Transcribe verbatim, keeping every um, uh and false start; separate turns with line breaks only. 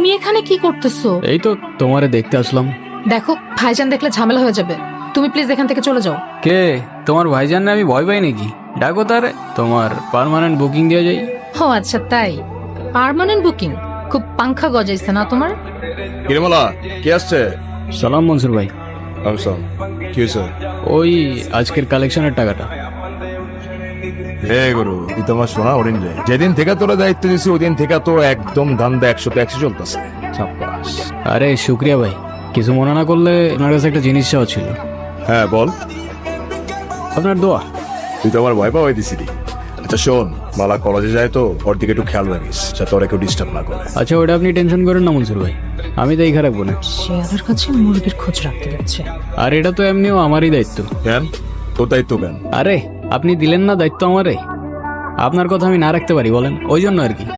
তুমি এখানে কি করতেছো?
এই তো তোমারে দেখতে আসলাম।
দেখো ভাইজান দেখলে ঝামেলা হয়ে যাবে, তুমি প্লিজ এখান থেকে চলে যাও।
কে তোমার ভাইজান না? আমি ভয় পাই নাকি? ডাকো তারে, তোমার পার্মানেন্ট বুকিং দিয়ে যাই।
ও আচ্ছা তাই, পার্মানেন্ট বুকিং? খুব পাংখা গজাইছে না তোমার?
কিরমলা কে আসছে?
সালাম মনসুর ভাই।
আমসাম, কি হয়েছে?
ওই আজকের কালেকশনের টাকাটা।
হে গুরু, তুই তোমার শোনা হরিণ রে, যেদিন থেকে তোরা দায়িত্ব দিছি ওদিন থেকে তো একদম ধান্দা একশো তো একশো চলতেছে। সাব্বাস।
আরে শুক্রিয়া ভাই, কিছু মনে না করলে আপনার কাছে একটা জিনিস চাওয়া ছিল।
হ্যাঁ বল।
আপনার দোয়া।
তুই তো আমার ভয় পাওয়াই দিছিলি। আচ্ছা শোন, মালা কলেজে যায় তো ওর দিকে একটু খেয়াল রাখিস যাতে ওরা কেউ ডিস্টার্ব না করে।
আচ্ছা ওটা আপনি টেনশন করেন না মনসুর ভাই, আমি তো এই রাখবো না।
শেয়ালের কাছে মুরগির খোঁজ রাখতে যাচ্ছে।
আর এটা তো এমনিও আমারই দায়িত্ব।
কেন তোর দায়িত্ব কেন?
আরে আপনি দিলেন না দায়িত্ব আমারে, আপনার কথা আমি না রাখতে পারি বলেন? ওই জন্য আর কি।